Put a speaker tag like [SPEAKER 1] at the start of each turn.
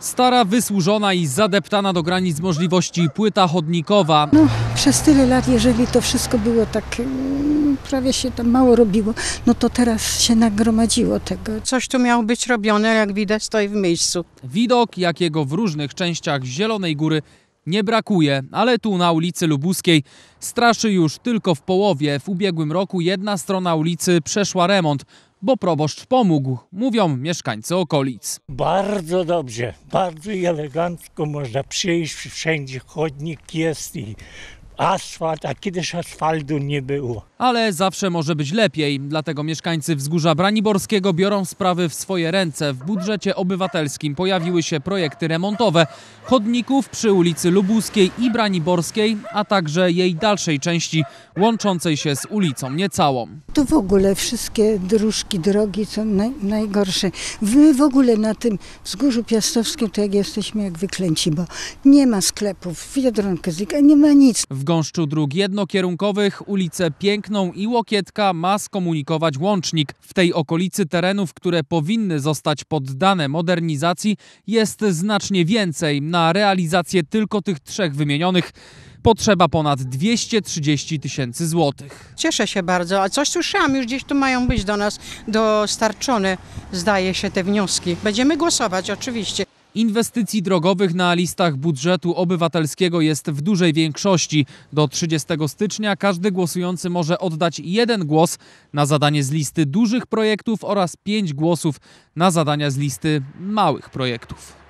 [SPEAKER 1] Stara, wysłużona i zadeptana do granic możliwości płyta chodnikowa.
[SPEAKER 2] No, przez tyle lat, jeżeli to wszystko było tak, prawie się tam mało robiło, no to teraz się nagromadziło tego.
[SPEAKER 3] Coś tu miało być robione, jak widać, stoi w miejscu.
[SPEAKER 1] Widok, jakiego w różnych częściach Zielonej Góry nie brakuje, ale tu na ulicy Lubuskiej straszy już tylko w połowie. W ubiegłym roku jedna strona ulicy przeszła remont, bo proboszcz pomógł, mówią mieszkańcy okolic.
[SPEAKER 4] Bardzo dobrze, bardzo elegancko można przyjść, wszędzie chodnik jest i asfalt, a kiedyś asfaltu nie było.
[SPEAKER 1] Ale zawsze może być lepiej, dlatego mieszkańcy Wzgórza Braniborskiego biorą sprawy w swoje ręce. W budżecie obywatelskim pojawiły się projekty remontowe chodników przy ulicy Lubuskiej i Braniborskiej, a także jej dalszej części łączącej się z ulicą Niecałą.
[SPEAKER 2] To w ogóle wszystkie dróżki, drogi są najgorsze. My w ogóle na tym Wzgórzu Piastowskim to jak jesteśmy jak wyklęci, bo nie ma sklepów, Biedronka, nie ma nic.
[SPEAKER 1] W gąszczu dróg jednokierunkowych ulicę Piękną i Łokietka ma skomunikować łącznik. W tej okolicy terenów, które powinny zostać poddane modernizacji, jest znacznie więcej. Na realizację tylko tych trzech wymienionych potrzeba ponad 230 000 złotych.
[SPEAKER 3] Cieszę się bardzo, a coś słyszałam, już gdzieś tu mają być do nas dostarczone, zdaje się, te wnioski. Będziemy głosować oczywiście.
[SPEAKER 1] Inwestycji drogowych na listach budżetu obywatelskiego jest w dużej większości. Do 30 stycznia każdy głosujący może oddać 1 głos na zadanie z listy dużych projektów oraz 5 głosów na zadania z listy małych projektów.